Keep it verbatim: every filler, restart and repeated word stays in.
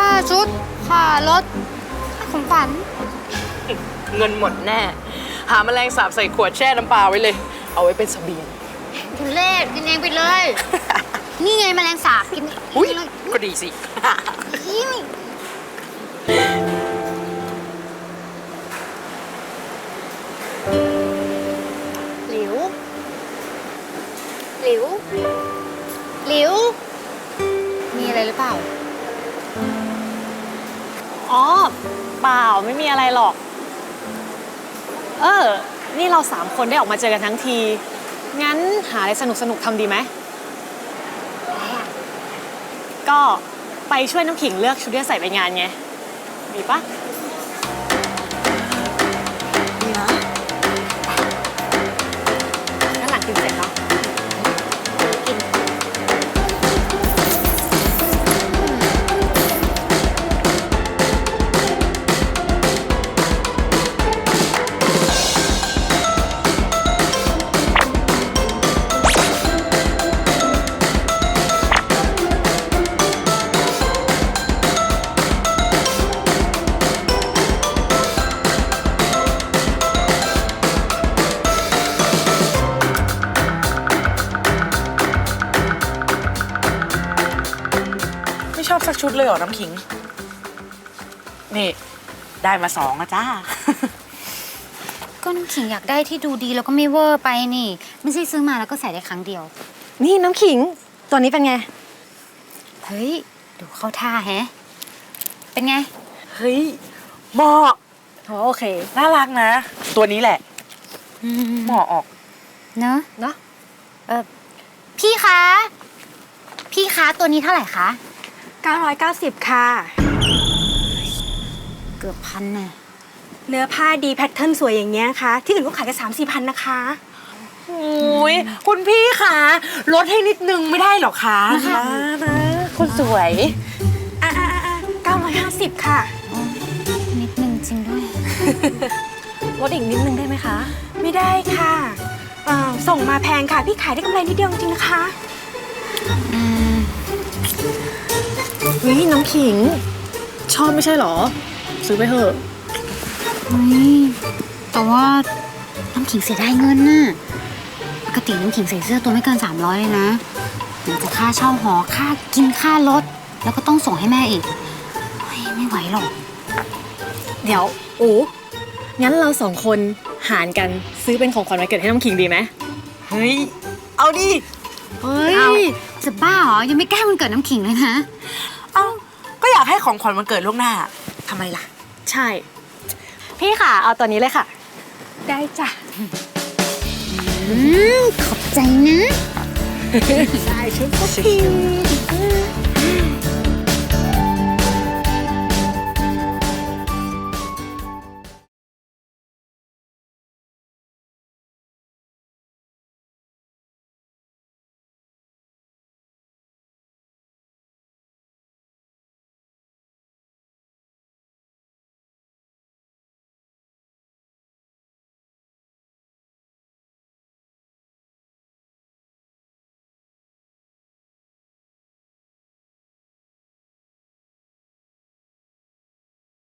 าชุดค่ารถค่าของขวัญเงินหมดแน่หาแมลงสาบใส่ขวดแช่น้ำปลาไว้เลยเอาไว้เป็นเสบียงทุเรศกินเองไปเลย นี่ไงแมลงสาบกินอุ้ยเลยก็ดีสิหลิวหลิวหลิวมีอะไรหรือเปล่าอ๋อเปล่าไม่มีอะไรหรอกเออนี่เราสามคนได้ออกมาเจอกันทั้งทีงั้นหาอะไรสนุกสนุกทำดีไหมก็ไปช่วยน้ำขิงเลือกชุดที่จะใส่ไปงานไงดีปะดีนะงั้นหลังกินเสร็จเนาะกินไม่ชอบสักชุดเลยเหรอน้ำขิงนี่ได้มาสองนะจ้าก็น้ำขิงอยากได้ที่ดูดีแล้วก็ไม่เวอร์ไปนี่ไม่ใช่ซื้อมาแล้วก็ใส่ได้ครั้งเดียวนี่น้ำขิงตัวนี้เป็นไงเฮ้ยดูเข้าท่าแฮะเป็นไงเฮ้ยเหมาะโอเคน่ารักนะตัวนี้แหละเหมาะออกเนอะเนาะเออพี่คะพี่คะตัวนี้เท่าไหร่คะเก้าร้อยเก้าสิบค่ะเกือบพันแน่เนื้อผ้าดีแพทเทิร์นสวยอย่างเงี้ยค่ะที่อื่นก็ขายกันสามสี่พันนะคะโอ้ยคุณพี่คะลดให้นิดนึงไม่ได้หรอคะนะนะคนสวยอ่าอ่าอ่าเก้าร้อยห้าสิบค่ะนิดนึงจริงด้วยลดอีกนิดนึงได้ไหมคะไม่ได้ค่ะส่งมาแพงค่ะพี่ขายได้กำไรนิดเดียวจริงๆนะคะเฮ้ยน้ำขิงชอบไม่ใช่หรอซื้อไปเถอะเฮ้ยแต่ว่าน้ำขิงเสียดายเงินน่ะปกติน้ำขิงใส่เสื้อตัวไม่เกินสามร้อยเลยนะไหนจะค่าเช่าหอค่ากินค่ารถแล้วก็ต้องส่งให้แม่อีกเฮ้ยไม่ไหวหรอกเดี๋ยวโอ้งั้นเราสองคนหารกันซื้อเป็นของขวัญวันเกิดให้น้ำขิงดีไหมเฮ้ยเอาดิเฮ้ยจะบ้าเหรอยังไม่แก้วันเกิดน้ำขิงเลยนะเอ้าก็อยากให้ของขวัญวันเกิดล่วงหน้าทำไมล่ะใช่พี่ค่ะเอาตัวนี้เลยค่ะได้จ้ะขอบใจนะได้ชุดก็พิง